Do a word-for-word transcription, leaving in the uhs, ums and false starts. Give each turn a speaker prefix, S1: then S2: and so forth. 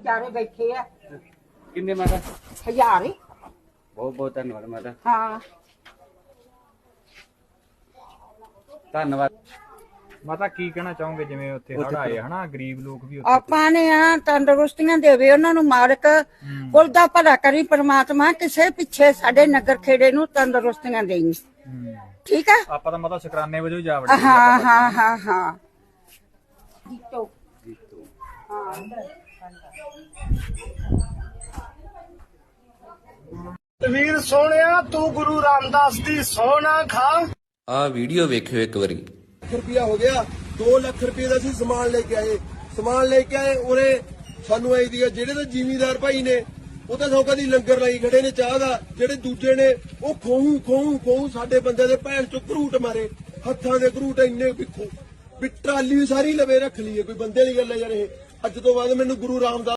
S1: ਵਿਚਾਰੇ ਬੈਠੇ ਆ।
S2: ਕਿੰਨੇ ਮਾਤਾ?
S1: ਹਜ਼ਾਰ ਹੀ।
S2: ਬਹੁਤ ਬਹੁਤ ਧੰਨਵਾਦ ਮਾਤਾ।
S1: ਹਾਂ
S2: ਧੰਨਵਾਦ
S3: ਮਾਤਾ। ਕੀ ਕਹਿਣਾ ਚਾਹੋਗੇ ਜਿਵੇਂ ਉੱਥੇ ਹੜ੍ਹ ਆਏ ਹਨਾ, ਗਰੀਬ ਲੋਕ ਵੀ
S1: ਆਪਾਂ ਨੇ ਆ ਤੰਦਰੁਸਤੀਆਂ ਦੇਵੇ ਉਹਨਾਂ ਨੂੰ, ਮਾਲਕ ਕੁਲ ਦਾ ਭਲਾ ਕਰੀ ਪ੍ਰਮਾਤਮਾ, ਕਿਸੇ ਪਿੱਛੇ ਸਾਡੇ ਨਗਰ ਖੇੜੇ ਨੂੰ ਤੰਦਰੁਸਤੀਆਂ ਦੇਈ। ਠੀਕ ਆ।
S3: ਆਪਾਂ ਤਾਂ ਮਾਤਾ ਸ਼ੁਕਰਾਨੇ ਵਜੋਂ ਜਾ ਵੜੇ।
S1: ਹਾਂ ਹਾਂ ਹਾਂ ਹਾਂ ਜੀਤੋ
S4: ਵੀਰ ਸੋਹਣਿਆ ਤੂੰ ਗੁਰੂ ਰਾਮਦਾਸ ਦੀ ਸਹੁੰ ਨਾ ਖਾ।
S5: ਆ ਵੀਡੀਓ ਵੇਖਿਓ ਇੱਕ ਵਾਰੀ।
S6: ਰੁਪਇਆ ਹੋ ਗਿਆ, ਦੋ ਲੱਖ ਰੁਪਏ ਦਾ ਅਸੀਂ ਸਮਾਨ ਲੈ ਕੇ ਆਏ ਸਮਾਨ ਲੈ ਕੇ ਆਏ ਉਰੇ ਸਾਨੂੰ ਆਈ ਦੀ ਆ। ਜਿਹੜੇ ਤਾਂ ਜ਼ਿਮੀਂਦਾਰ ਭਾਈ ਨੇ ਉਹ ਤਾਂ ਸੌਕਾ ਦੀ ਲੰਗਰ ਲਾਈ ਖੜੇ ਨੇ ਚਾਹ ਦਾ, ਜਿਹੜੇ ਦੂਜੇ ਨੇ ਉਹ ਖੋਹੂ ਖੋਹੂ ਖੋਹੂ ਸਾਡੇ ਬੰਦੇ ਦੇ ਭੈਣ ਚੋਂ ਘਰੂਟ ਮਾਰੇ, ਹੱਥਾਂ ਦੇ ਘਰੂਟ ਇੰਨੇ ਪਿੱਛੋਂ ਵੀ ਟਰਾਲੀ ਵੀ ਸਾਰੀ ਲਵੇ ਰੱਖ ਲਈਏ। ਕੋਈ ਬੰਦੇ ਦੀ ਗੱਲ ਹੈ ਯਾਰ ਇਹ। ਅੱਜ ਤੋਂ ਬਾਅਦ ਮੈਨੂੰ ਗੁਰੂ ਰਾਮਦਾਸ